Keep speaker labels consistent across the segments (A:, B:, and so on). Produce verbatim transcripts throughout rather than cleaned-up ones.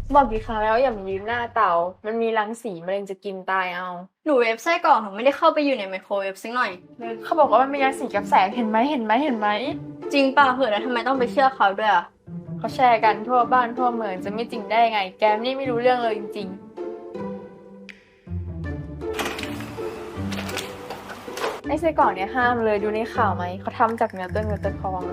A: บอกกี่ครั้งแล้วอย่ามายืนหน้าเตามันมีรังสีมะเร็งจะกินตายเอา
B: หนูเวฟไส้กรอกหนูไม่ได้เข้าไปอยู่ในไมโครเวฟสักหน่อย
A: เขาบอกว่ามันมีรังสีกับแสงเห็นไหมเห็นไหมเห็นไหม
B: จริงป่ะเหอะแล้วทำไมต้องไปเชื่อเขาด้วยอ่ะ
A: เขาแชร์กันทั่วบ้านทั่วเมืองจะไม่จริงได้ไงแกมนี่ไม่รู้เรื่องเลยจริงๆไอ้ไส้กรอกเนี่ยห้ามเลยดูในข่าวไหมเขาทำจากเนื้อตัวเงินตัวทองอะ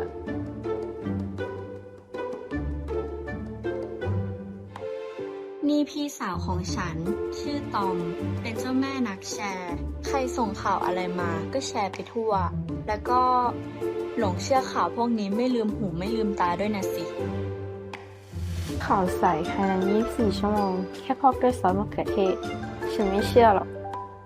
C: นี่พี่สาวของฉัน ชื่อตอม เป็นเจ้าแม่นักแชร์ ใครส่งข่าวอะไรมาก็แชร์ไปทั่ว แล้วก็หลงเชื่อข่าวพวกนี้ไม่ลืมหูไม่ลืมตาด้วยนะสิ
A: ข่าวใสภายในยี่สิบสี่ชั่วโมงแค่พอกด้วยซอสมะเขือเทศฉันไม่เชื่อหรอก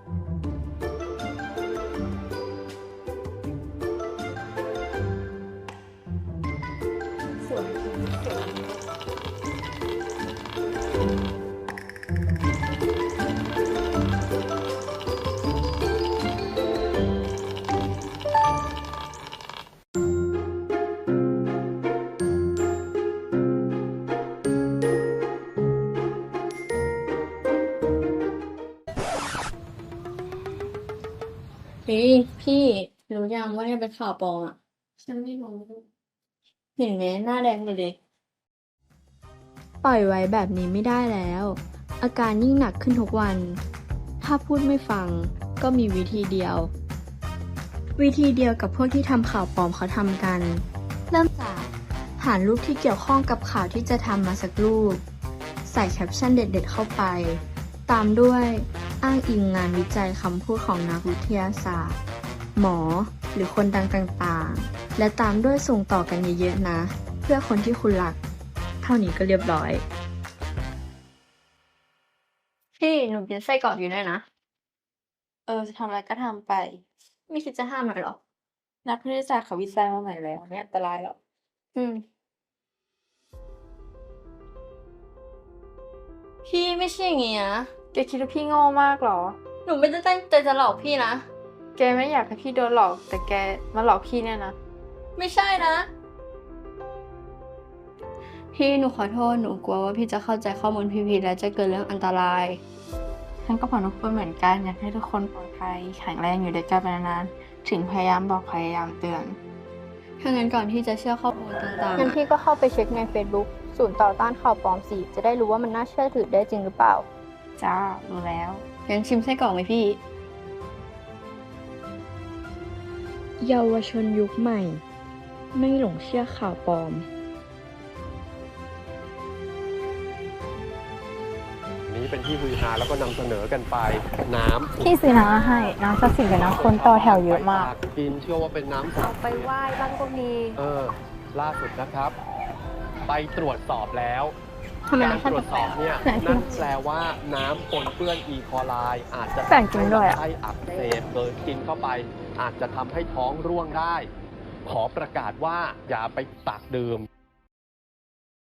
A: สวยสวย
B: เฮ้ยพี่รู้ยังว่าเนี่ยเป็นข่าวปลอมอ่ะ
A: ฉันไม่รู้
B: เห็นไหมหน้าแดงเลยดิ
C: ปล่อยไว้แบบนี้ไม่ได้แล้ว อาการยิ่งหนักขึ้นทุกวัน ถ้าพูดไม่ฟังก็มีวิธีเดียว วิธีเดียวกับพวกที่ทำข่าวปลอมเขาทำกัน เริ่มจากหารูปที่เกี่ยวข้องกับข่าวที่จะทำมาสักรูป ใส่แคปชั่นเด็ดๆเข้าไป ตามด้วยอ้างอิงงานวิจัยคำพูดของนักวิทยาศาสตร์ หมอหรือคนดังต่างๆ และตามด้วยส่งต่อกันเยอะๆนะ เพื่อคนที่คุณรัก เท่านี้ก็เรียบร้อย
B: พี่หนูกินไส้กรอกอยู่ด้วยนะ
A: เออจะทำอะไรก็ทำไป
B: ไม่คิดจะห้ามหน่อยหรอ
A: นักวิทยาศาสตร์เขาวิจัยมาใหม่แล้วไม่อันตรายหรอก
B: อืมพี่ไม่ใช่อย่างงี้นะ
A: แกคิดว่าพี่โง่มากเหรอ
B: หนูไม่ได้ตั้งใจจะหลอกพี่นะ
A: แกไม่อยากให้พี่โดนหลอก แต่แกมาหลอกพี่เนี่ยนะ
B: ไม่ใช่นะ พี่หนูขอโทษหนูกลัวว่าพี่จะเข้าใจข้อมูลผิดๆและจะเกิดเรื่องอันตราย
A: ฉันก็บอกทุกคนเหมือนกันอยากให้ทุกคนปลอดภัยแข็งแรงอยู่ด้วยกันไปนานๆถึงพยายามบอกพยายามเตือน
B: ถ้างั้นก่อนที่จะเชื่อข้อมูลต่างๆ
D: งั้น
B: อะ
D: พี่ก็เข้าไปเช็คใน Facebook ศูนย์ต่อต้านข่าวปลอมสิจะได้รู้ว่ามันน่าเชื่อถือได้จริงหรือเปล่า
A: จ้ารู้แล้ว
B: งั้นชิมไส้กรอกไหมพี่
C: เยาวชนยุคใหม่ ไม่หลงเชื่อข่าวปลอม
E: นี้เป็นที่ฮือฮาแล้วก็นำเสนอกันไปน้ำ
D: พี่ซื้อน้ำมาให้ น้ำศักดิ์สิทธิ์กับน้ำคนต่อแถวเยอะมาก
E: กินเชื่อว่าเป็นน้ำศักดิ์
D: ไป
E: สิทธิ์
D: ไหว้บ้างก็มี
E: เออล่าสุดนะครับ ไปตรวจสอบแล้ว
B: ทำไม
E: การ
B: มันขั้น
E: ตรวจสอบเนี่ย
B: ไหนพี่
E: นั่นแปลว่าน้ำปนเปื้อนอีโคไลอาจจะ
D: แปลกจริงด้วยอะ
E: ทำให้ลำไส้อักเสบเกินกินเข้าไป อาจจะทำให้ท้องร่วงได้ ขอประกาศว่าอย่าไปตักดื่ม